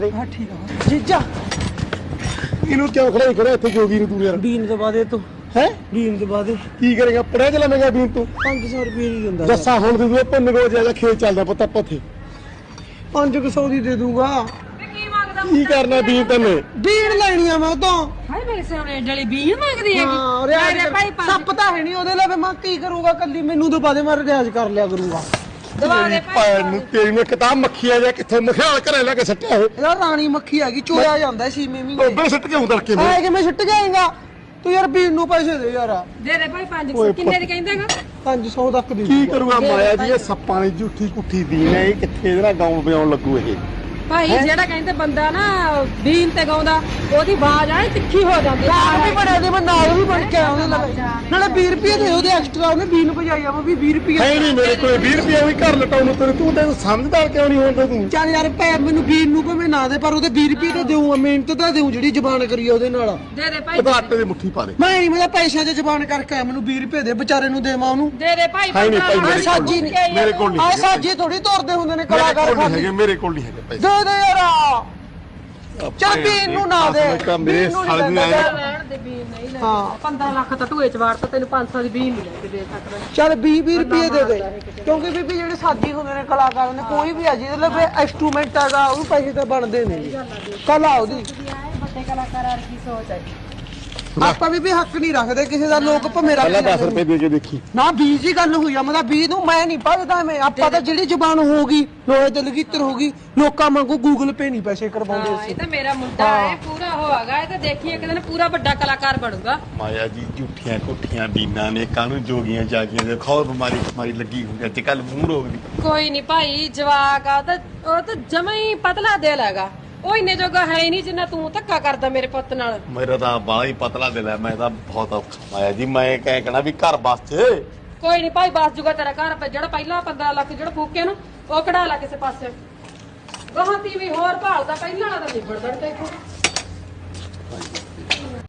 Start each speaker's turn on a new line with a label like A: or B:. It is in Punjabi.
A: हाँ ठीक है जीजा
B: ਇਹਨੂੰ ਕਿਉਂ ਖੜਾ ਖੜਾ ਇੱਥੇ ਜੋਗੀ ਨੂੰ ਤੂੰ ਯਾਰ
A: बीन दबा दे तू
B: ਹੈ
A: बीन दबा दे
B: ਕੀ ਕਰੇਗਾ ਪੜਿਆ ਚਲਾ ਮੈਂ ਬੀਨ ਤੂੰ
A: 500 रुपये नहीं दिंदा
B: ਜੱਸਾ ਹੁਣ ਤੇ ਤੂੰ ਭੁੰਨ ਗੋ ਜਿਆਦਾ ਖੇਤ ਚੱਲਦਾ ਪੁੱਤ ਆਪਾਂ ਉੱਥੇ
A: 500 ਦੀ ਦੇ दूंगा
C: ਕੀ ਮੰਗਦਾ
B: ਕੀ ਕਰਨਾ ਬੀਨ ਤੈਨੇ
A: बीन लेनी है मैं तो
C: ਹਾਏ ਮੇਰੇ ਸਾਹਮਣੇ ਜਲੀ ਬੀਨ ਮੰਗਦੀ ਹੈਗੀ
A: हाँ
C: ਮੇਰੇ ਭਾਈ
A: ਸੱਪ ਤਾਂ ਹੈ ਨਹੀਂ ਉਹਦੇ ਲਈ ਮੈਂ ਕੀ ਕਰੂੰਗਾ ਕੱਲੀ ਮੈਨੂੰ ਦਬਾ ਦੇ ਮੈਂ ਰਿਆਜ਼ ਕਰ ਲਿਆ ਕਰੂੰਗਾ
C: ਦਵਾ ਦੇ
B: ਭੈਣ ਨੂੰ ਤੇਰੀ ਨੂੰ ਕਿਤਾਬ ਮੱਖੀ ਆ ਜਾ ਕਿੱਥੇ ਮਖਿਆਲ ਘਰੇ ਲੈ ਕੇ ਸੱਟਿਆ ਇਹ
A: ਇਹਦਾ ਰਾਣੀ ਮੱਖੀ ਹੈਗੀ ਚੋਇਆ ਜਾਂਦਾ ਸੀ ਮੀਮੀ
B: ਟੋਬੇ ਸੱਟ ਕੇ ਉਧਰ ਕੇ
A: ਆਏ ਕਿ ਮੈਂ ਛੁੱਟ ਜਾਏਗਾ ਤੂੰ ਯਾਰ ਬੀਨ ਨੂੰ ਪੈਸੇ ਦੇ ਯਾਰ
C: ਦੇ ਦੇ ਭਾਈ 500 ਕਿੰਨੇ ਦੀ ਕਹਿੰਦਾਗਾ
A: 500 ਤੱਕ ਦੀ
B: ਕੀ ਕਰੂਗਾ ਮਾਇਆ ਜੀ ਇਹ ਸੱਪਾਂ ਦੀ ਝੂਠੀ ਕੁੱਠੀ ਦੀਨ ਹੈ ਇਹ ਕਿੱਥੇ ਇਹਦੇ ਨਾਲ ਗਾਉਂ ਵਜਾਉਣ ਲੱਗੂ ਇਹ
C: ਭਾਈ ਜਿਹੜਾ ਕਹਿੰਦੇ ਬੰਦਾ ਨਾ ਬੀਨ ਤੇ ਗਾਉਂਦਾ ਉਹਦੀ ਆਵਾਜ਼ ਆਏ ਤਿੱਖੀ ਹੋ ਜਾਂਦੀ
A: ਨਾਲ ਵੀ ਬੜਿਆ ਦੇ ਮੈਂ ਨਾਲ ਵੀ ਬਣ ਕੇ ਆਇਆ ਉਹਦੇ ਲਵੇ ਨਾਲੇ 20 ਰੁਪਏ ਦੇ ਉਹਦੇ ਐਕਸਟਰਾ ਉਹਨੇ ਬੀਨ ਭਜਾਈ ਆ ਮੈਂ ਵੀ 20 ਰੁਪਏ
B: ਹੈ ਨਹੀਂ ਮੇਰੇ ਕੋਲ 20 ਰੁਪਏ ਵੀ ਘਰ ਲਟਾਉਣ ਨੂੰ ਤੂੰ ਤੈਨੂੰ ਸਮਝਦਾਰ ਕਿਉਂ ਨਹੀਂ ਹੁੰਦਾ ਤੂੰ
A: ਚੱਲ ਯਾਰ ਪੈ ਮੈਨੂੰ ਬੀਨ ਨੂੰ ਭਾਵੇਂ ਨਾ ਦੇ ਪਰ ਉਹਦੇ 20 ਰੁਪਏ ਤਾਂ ਦੇਊਂ ਮਿਹਨਤ ਤਾਂ ਦੇਊਂ ਜਿਹੜੀ ਜ਼ਬਾਨ ਕਰੀ ਆ ਉਹਦੇ ਨਾਲ
C: ਦੇ ਦੇ ਭਾਈ
B: ਇਹਦਾ ਆਟੇ ਦੀ ਮੁੱਠੀ ਪਾ ਦੇ
A: ਮੈਂ ਨਹੀਂ ਮੈਂ ਪੈਸਿਆਂ 'ਚ ਜ਼ਬਾਨ ਕਰਕੇ ਆਇਆ ਮੈਨੂੰ 20 ਰੁਪਏ ਦੇ ਵਿਚਾਰੇ ਨੂੰ ਦੇਵਾਂ ਉਹਨੂੰ
C: ਦੇ ਦੇ ਭਾਈ
B: ਹੈ ਨਹੀਂ ਭਾਈ
A: ਆਹ
B: ਮੇਰੇ
A: ਸਾਜੀ
B: ਕੋਲ
A: ਨਹੀਂ
B: ਮੇਰੇ ਕੋਲ ਨਹੀਂ
A: ਆਹ
B: ਹੈਗੇ।
A: ਸਾਜੀ ਥੋੜੀ ਤੋਰਦੇ ਹੁੰਦੇ ਨੇ
B: ਮੇਰੇ
A: ਕਲਾਕਾਰ
B: ਕੋਲ ਨਹੀਂ
A: ਖਾਲੀ
B: ਹੈਗੇ ਮੇਰੇ ਕੋਲ ਨਹੀਂ ਹੈਗੇ ਪੈਸੇ
A: ਦੇ ਦੇ ਯਾਰ ਚੱਲ ਬੀਨ ਨੂੰ ਨਾ ਦੇ
B: ਮੇਰੇ
A: ਬੀਨ ਨੂੰ
B: ਸਾਲ ਦੀ
A: ਨਹੀਂ
B: ਆਇਆ
C: ਲੈਣ ਦੇ ਬੀਨ ਨਹੀਂ ਲੈ
A: ਹਾਂ
C: 15 ਲੱਖ ਤਾਂ ਢੂਏ ਚ ਵਾੜਤਾ ਤੈਨੂੰ 500 ਦੀ ਬੀਨ ਨਹੀਂ ਲੈ ਕੇ ਦੇ ਸਕਦਾ
A: ਚੱਲ 20 ਰੁਪਏ ਦੇ ਦੇ ਕਿਉਂਕਿ ਬੀਬੀ ਜਿਹੜੇ ਸਾਜੀ ਹੁੰਦੇ ਨੇ ਕਲਾਕਾਰ ਨੇ ਕੋਈ ਵੀ ਆ ਜਿਹਦੇ ਲਈ ਇੰਸਟਰੂਮੈਂਟ ਹੈਗਾ ਉਹ ਪੈਸੇ ਤਾਂ ਬਣਦੇ ਨੇ ਕਲਾ ਉਹਦੀ
C: ਵੱਡੇ ਕਲਾਕਾਰਾਂ ਦੀ ਸੋਚ ਹੈ
A: ਆਪਾਂ ਵੀ ਹੱਕ ਨਹੀਂ ਰੱਖਦੇ ਕਿਸੇ ਦਾ ਲੋਕ ਭਵੇਂ ਰੱਖ
B: ਪਹਿਲਾਂ 10
A: ਲੈਂਦੇ
B: ਰੁਪਏ ਦੇ ਕੇ ਦੇਖੀ
A: ਨਾ 20 ਦੀ ਗੱਲ ਹੋਈ ਆ ਮਤਲਬ 20 ਨੂੰ ਮੈਂ ਨਹੀਂ ਭਜਦਾ ਮੈਂ ਆਪਾਂ ਤਾਂ ਜਿਹੜੀ ਜ਼ਬਾਨ ਹੋਊਗੀ ਲੋਹੇ ਤੇ ਲਗੀਤਰ ਹੋਗੀ ਲੋਕਾਂ ਵਾਂਗੂ ਗੂਗਲ ਪੇ ਨਹੀਂ ਪੈਸੇ ਕਰਵਾਉਂਦੇ
C: ਇਹ
A: ਅਸੀਂ
C: ਤਾਂ ਮੇਰਾ ਮੁੰਡਾ ਹੈ ਪੂਰਾ ਹੋਗਾ ਇਹ ਤਾਂ ਦੇਖੀ ਇੱਕ ਦਿਨ ਪੂਰਾ ਵੱਡਾ ਕਲਾਕਾਰ ਬਣੂਗਾ
B: ਮਾਇਆ ਜੀ ਝੂਠੀਆਂ ਕੁੱਠੀਆਂ ਬੀਨਾਂ ਨੇ ਕਾਹਨੂੰ ਜੋਗੀਆਂ ਜਾਗੀਆਂ ਦੇ ਖੌਰ ਬਿਮਾਰੀ ਲੱਗੀ ਹੁੰਦੀ ਅੱਜ ਕੱਲ ਮੂੰਹ ਰੋਗ ਦੀ
C: ਕੋਈ ਨਹੀਂ ਭਾਈ ਜਵਾਕ ਆ ਉਹ ਤਾਂ ਜਮਾ ਹੀ ਪਤਲਾ ਦਿਲ ਹੈਗਾ ਉਹ ਇੰਨੇ ਜੋਗਾ ਹੈ ਹੀ ਨਹੀਂ ਜਿੰਨਾ ਤੂੰ ਧੱਕਾ ਕਰਦਾ ਮੇਰੇ ਪੁੱਤ ਨਾਲ
B: ਮੇਰਾ ਤਾਂ ਬਾਹਲਾ ਹੀ ਪਤਲਾ ਦਿਲ ਹੈ ਮੈਂ ਤਾਂ ਬਹੁਤ ਔਖਾ ਮਾਇਆ ਜੀ ਮੈਂ ਕਹਿਣਾ ਵੀ ਘਰ ਬਸ
C: ਕੋਈ ਨਹੀਂ ਭਾਈ ਬਸ ਜੂਗਾ ਤੇਰਾ ਘਰ ਜਿਹੜਾ ਪਹਿਲਾਂ 15 ਲੱਖ ਜਿਹੜਾ ਫੂਕੇ ਨੂੰ ਉਹ ਕਢਾ ਲਾ ਕਿਸੇ ਪਾਸੇ ਗਾਹਾਂ ਤੀ ਵੀ ਹੋਰ ਭਾਲਦਾ ਪਹਿਲਾਂ ਵਾਲਾ ਤਾਂ ਨਿਬੜ ਦੜ ਤੇ